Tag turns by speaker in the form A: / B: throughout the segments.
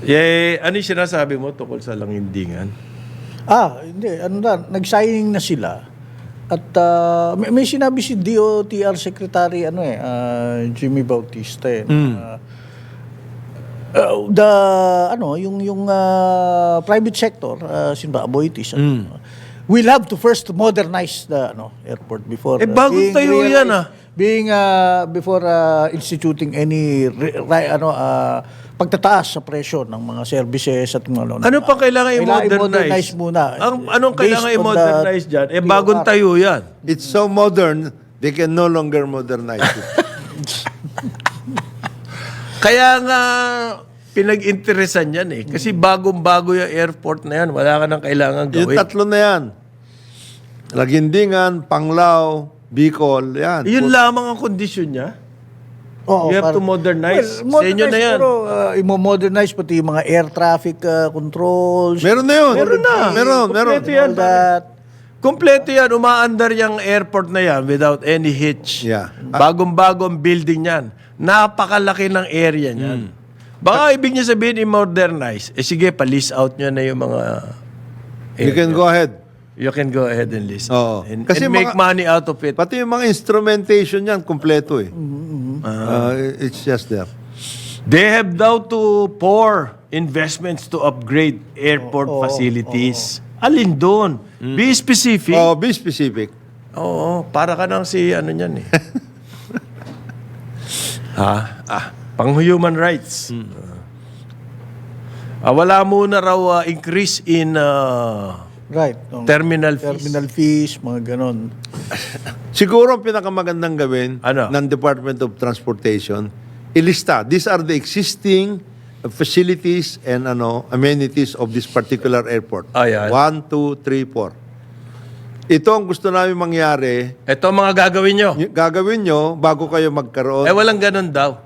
A: Ano yung sinasabi mo tungkol sa langindingan?
B: Hindi. Nag-signing na sila. At may sinabi si DOTR Secretary Jimmy Bautista yung private sector, Aboitiz, will have to first modernize the airport before
A: bagong tayo yan
B: before instituting any pagtataas sa presyo ng mga services at mga
A: ano pa kailangan i-modernize?
B: Muna.
A: Anong kailangan i-modernize dyan? Bagong tayo yan.
C: It's so modern, they can no longer modernize it.
A: Kaya nga, pinag-interesan yan Kasi bagong-bago yung airport na yan. Wala ka nang kailangan
C: Yung
A: gawin.
C: tatlo na yan. Lagindingan, Panglao, Bicol, yan.
A: Yun lamang ang kondisyon niya. You have to modernize. Sa inyo na yan.
B: Pero i-modernize pati yung mga air traffic controls.
C: Meron na yun.
A: Meron na.
C: Meron.
A: Kompleto yan.
B: All that.
A: Kompleto yan. Umaandar yung airport na yan without any hitch.
C: Yeah.
A: Bagong-bagong building yan. Napakalaki ng area niyan. Baka ibig niya sabihin i-modernize. Sige, pa-lease out nyo na yung mga
C: You can go ahead.
A: You can go ahead and lease
C: Oo.
A: and
C: Kasi
A: make money out of it.
C: Pati yung mga instrumentation yan, kompleto it's just there.
A: They have daw to pour investments to upgrade airport facilities. Alin doon? Be specific.
C: Oh, be specific.
A: Oo, para ka nang si niyan pang human rights. Wala muna raw increase in
B: Right.
A: terminal fees.
B: Terminal fees, mga ganon.
C: Siguro ang pinakamagandang gawin
A: Ano?
C: ng Department of Transportation, ilista. These are the existing facilities and amenities of this particular airport.
A: Ayan.
C: 1, 2, 3, 4. Ito ang gusto namin mangyari.
A: Ito ang mga gagawin nyo.
C: Gagawin nyo bago kayo magkaroon.
A: Walang ganun daw.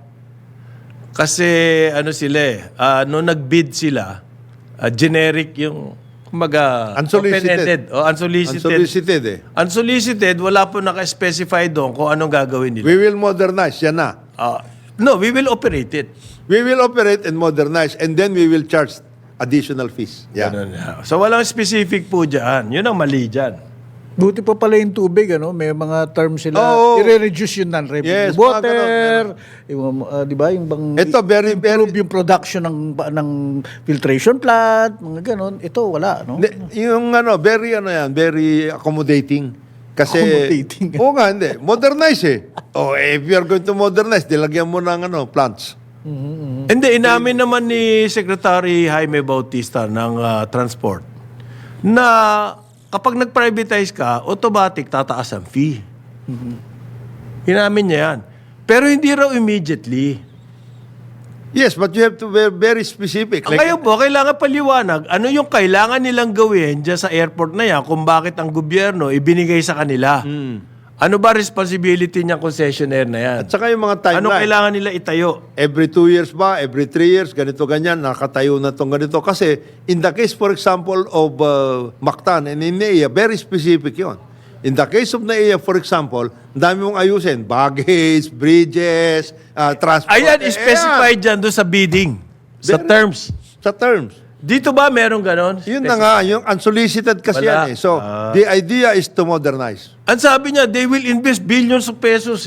A: Kasi nung nag-bid sila, generic yung kumbaga
C: Unsolicited.
A: open-ended. Unsolicited.
C: Unsolicited
A: Unsolicited, wala po naka-specify doon kung anong gagawin nila.
C: We will modernize. Yan na.
A: No, we will operate it.
C: We will operate and modernize and then we will charge additional fees. Yeah.
A: Ganun na. So walang specific po dyan. Yun ang mali dyan.
B: Buti pa pala yung tubig, may mga terms sila.
C: Oo.
B: I-reduce yung non-revenue
C: Yes,
B: water.
C: mga
B: Di ba? Yung bang
C: Ito, very,
B: improve yung production ng filtration plant, mga ganon. Ito, wala, no?
C: Yung very accommodating. Kasi,
B: Accommodating.
C: Oo nga, hindi. Modernize if you are going to modernize, dilagyan mo ng plants.
A: Hindi, inamin naman ni Secretary Jaime Bautista ng Transport na kapag nag-privatize ka, automatic tataas ang fee. Inamin niya yan. Pero hindi raw immediately.
C: Yes, but you have to be very specific.
A: Kayo po, kailangan paliwanag. Ano yung kailangan nilang gawin dyan sa airport na yan kung bakit ang gobyerno ibinigay sa kanila? Ano ba responsibility niyang concessionaire na yan?
C: At saka yung mga timeline.
A: Ano kailangan nila itayo?
C: Every 2 years ba? Every 3 years? Ganito, ganyan. Nakatayo na itong ganito. Kasi in the case, for example, of Mactan and in NAIA, very specific yon. In the case of NAIA, for example, ang dami mong ayusin. Baggage, bridges, transport.
A: Ayan, specified dyan doon sa bidding. Sa terms.
C: Sa terms.
A: Dito ba merong ganon?
C: Yun na nga, yung unsolicited kasi
A: Wala.
C: yan So, the idea is to modernize.
A: Ang sabi niya, they will invest billions of pesos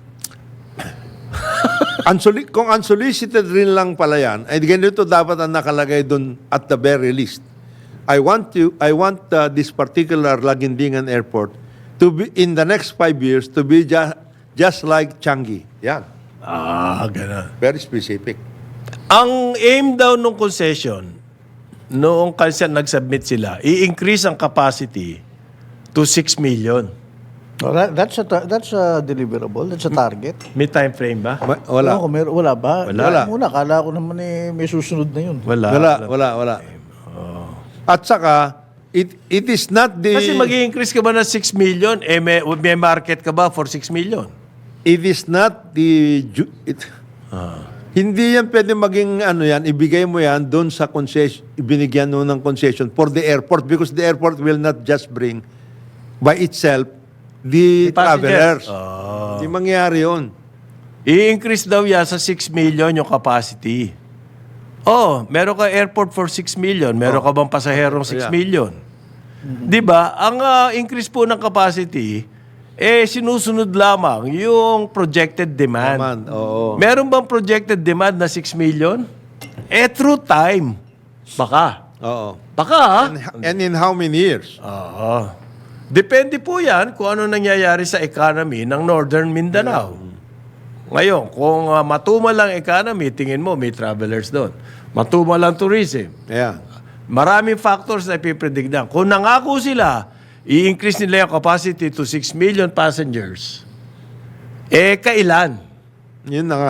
C: Kung unsolicited rin lang pala yan, ay ganito dapat ang nakalagay dun at the very least. I want this particular Lagindingan Airport to be, in the next 5 years, to be just like Changi. Yan.
A: Ganon.
C: Very specific.
A: Ang aim daw ng concession, noong kasi nag-submit sila, i-increase ang capacity to 6 million.
B: That's a deliverable. That's a target.
A: May time frame ba?
C: Wala.
B: Wala ba?
A: Wala.
B: Muna, kala ko naman may susunod na yun.
C: Wala. At saka, it is not the...
A: Kasi mag-i-increase ka ba ng 6 million? May market ka ba for 6 million?
C: It is not the... Hindi yan pwede maging ibigay mo yan doon sa concession, ibinigyan mo ng concession for the airport because the airport will not just bring by itself the travelers. Hindi mangyayari yun.
A: I-increase daw yan sa 6 million yung capacity. Oh, meron ka airport for 6 million. Meron ka bang pasaherong 6
C: Yeah.
A: million? Di ba? Ang increase po ng capacity, sinusunod lamang yung projected demand.
C: Naman, oo.
A: Meron bang projected demand na 6 million? Through time. Baka.
C: Oo.
A: Baka, ha?
C: And in how many years?
A: Oo. Depende po yan kung ano nangyayari sa economy ng Northern Mindanao. Ngayon, kung matumal lang economy, tingin mo may travelers doon. Matumal lang tourism.
C: Yeah.
A: Maraming factors na ipipredict na. Kung nangako sila, i-increase nila yung capacity to 6 million passengers, kailan?
C: Yun na nga.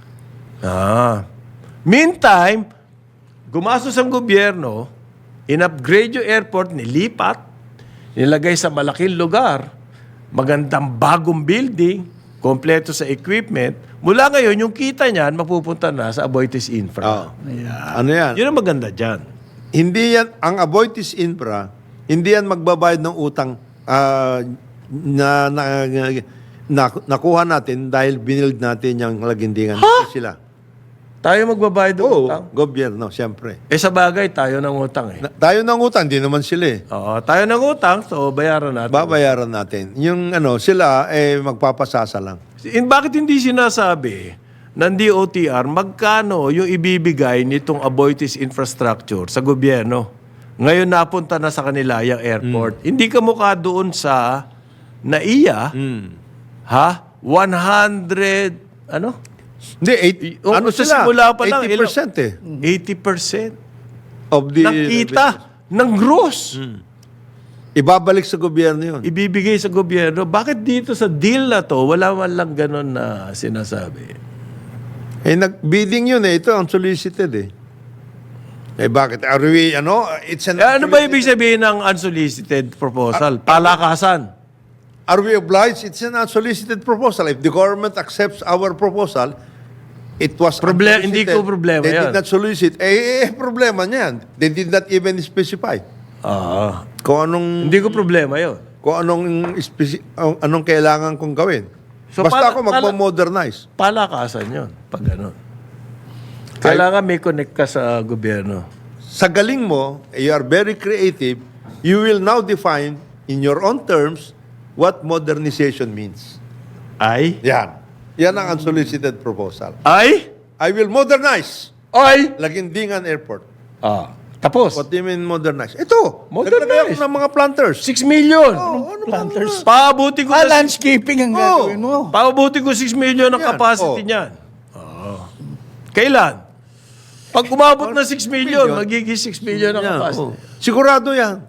A: Meantime, gumastos ang gobyerno, in-upgrade yung airport, nilipat, nilagay sa malaking lugar, magandang bagong building, kompleto sa equipment. Mula ngayon, yung kita niyan, mapupunta na sa Aboitiz Infra.
C: Ano yan?
A: Yun ang maganda dyan.
C: Hindi yan, ang Aboitiz Infra, hindi yan magbabayad ng utang nakuha natin dahil binild natin yung lagindingan. Sila.
A: Tayo magbabayad ng utang.
C: Oo, gobyerno, siyempre.
A: Sa bagay, tayo ng utang eh.
C: Tayo ng utang, di naman sila eh.
A: Oo, tayo ng utang, so bayaran natin.
C: Babayaran natin. Yung sila magpapasasa lang.
A: Bakit hindi sinasabi ng DOTR magkano yung ibibigay nitong Aboitiz infrastructure sa gobyerno? Ngayon napunta na sa kanila yung airport. Hindi ka mukha doon sa NAIA, 100, ano?
C: Hindi, ano
A: sa
C: sila?
A: simula pa lang,
C: 80% eh.
A: 80%
C: Of the...
A: ng kita, ng gross.
C: Ibabalik sa gobyerno yun.
A: Ibibigay sa gobyerno. Bakit dito sa deal na to, wala man lang ganun na sinasabi?
C: Nag-bidding yun eh. Ito ang solicited eh. Bakit? Are we, it's an...
A: Ano ba ibig sabihin ng unsolicited proposal? Palakasan.
C: Are we obliged? It's an unsolicited proposal. If the government accepts our proposal, it was
A: Hindi ko problema
C: They
A: yan.
C: did not solicit. Problema niyan. They did not even specify. Kung anong...
A: Hindi ko problema yun.
C: Kung anong kailangan kong gawin.
A: So,
C: Basta ako magpo-modernize.
A: Palakasan yun, pag gano'n. Kailangan may connect ka sa gobyerno.
C: Sa galing mo, you are very creative, you will now define in your own terms what modernization means.
A: Ay?
C: Yan. Yan ang unsolicited proposal.
A: Ay?
C: I will modernize
A: Ay?
C: Lagindingan Airport.
A: Tapos?
C: What do you mean modernize? Ito.
A: Modernize.
C: Naglagay ako ng mga planters.
A: 6 million.
B: Planters.
A: Paabuti ko na
B: Landscaping ang gagawin mo.
A: paabuti ko 6 million ang
C: Yan.
A: capacity niyan. Kailan? Pag umabot na 6 million, magiging 6 million ang capacity.
C: Sigurado yan.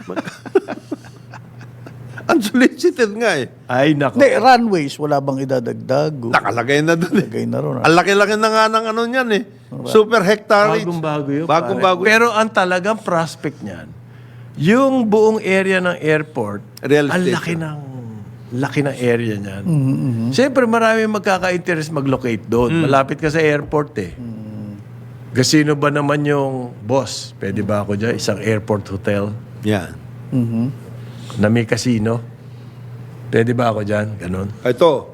C: Unsolicited nga eh.
A: Ay, nako.
B: Hindi, runways, wala bang idadagdag?
C: Nakalagay na doon eh.
B: Lagay na ron.
C: Ang laki-laki na nga ng niyan eh. Super hectare.
A: Bagong-bago yun.
C: Bagong-bago.
A: Pero ang talagang prospect niyan, yung buong area ng airport,
C: Real
A: ang
C: estate.
A: laki ng area niyan. Siyempre, marami magkaka-interest mag-locate doon. Malapit ka sa airport eh. Gasino ba naman yung boss? Pwede ba ako dyan? Isang airport hotel
C: Yan.
A: na may casino? Pwede ba ako dyan? Ganon.
C: Ito.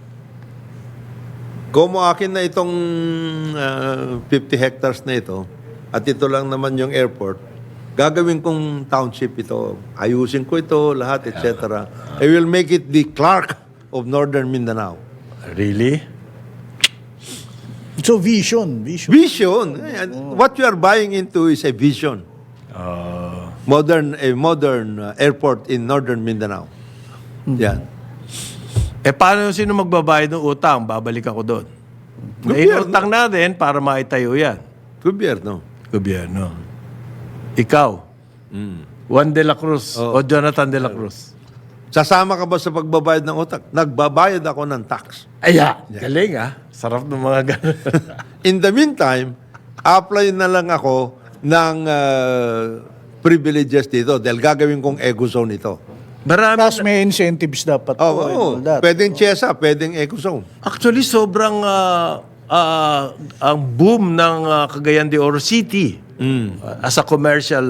C: Kung mo akin na itong 50 hectares na ito, at ito lang naman yung airport, gagawin kong township ito. Ayusin ko ito, lahat, etc. I will make it the Clark of Northern Mindanao.
A: Really?
B: So, vision.
C: Vision. What you are buying into is a vision. Modern airport in Northern Mindanao. Yan.
A: Paano sino magbabayad ng utang? Babalik ako doon.
C: Gobyerno.
A: Utang natin para maitayo yan.
C: Gobyerno.
A: Gobyerno. Ikaw, Juan de la Cruz o Jonathan de la Cruz.
C: Sasama ka ba sa pagbabayad ng utang? Nagbabayad ako ng tax.
A: Galing Sarap ng mga ganun.
C: In the meantime, apply na lang ako ng privileges dito dahil gagawin kong eco zone ito.
A: Marami.
B: Plus, may incentives dapat. and all that.
C: Pwedeng CHESA, pwedeng eco zone.
A: Actually, sobrang ang boom ng Cagayan de Oro City as a commercial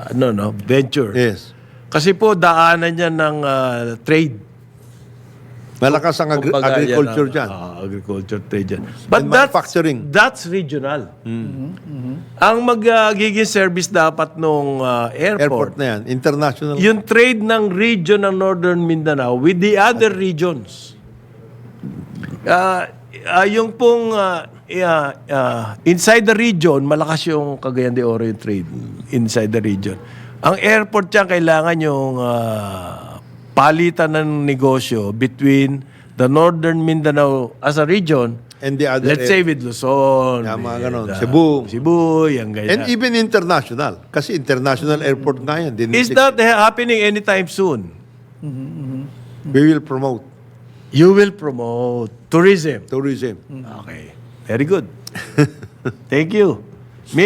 A: venture.
C: Yes.
A: Kasi po, daanan niya ng trade.
C: Malakas ang
A: Kumbaga,
C: agriculture
A: yan
C: dyan.
A: agriculture trade dyan. But
C: And manufacturing.
A: that's regional. Ang magiging service dapat nung
C: Airport
A: airport,
C: na yan. International.
A: yung trade ng region ng Northern Mindanao with the other regions. Yung pong inside the region, malakas yung Cagayan de Oro yung trade inside the region. Ang airport dyan, kailangan yung palitan ng negosyo between the Northern Mindanao as a region,
C: And the other
A: let's say with Luzon,
C: Yung mga ganon.
A: with,
C: Cebu.
A: yung ganyan.
C: And even international. Kasi international airport nga yan.
A: Is that happening anytime soon?
C: We will promote
A: You will promote tourism.
C: tourism.
A: Okay. Very good. Thank you.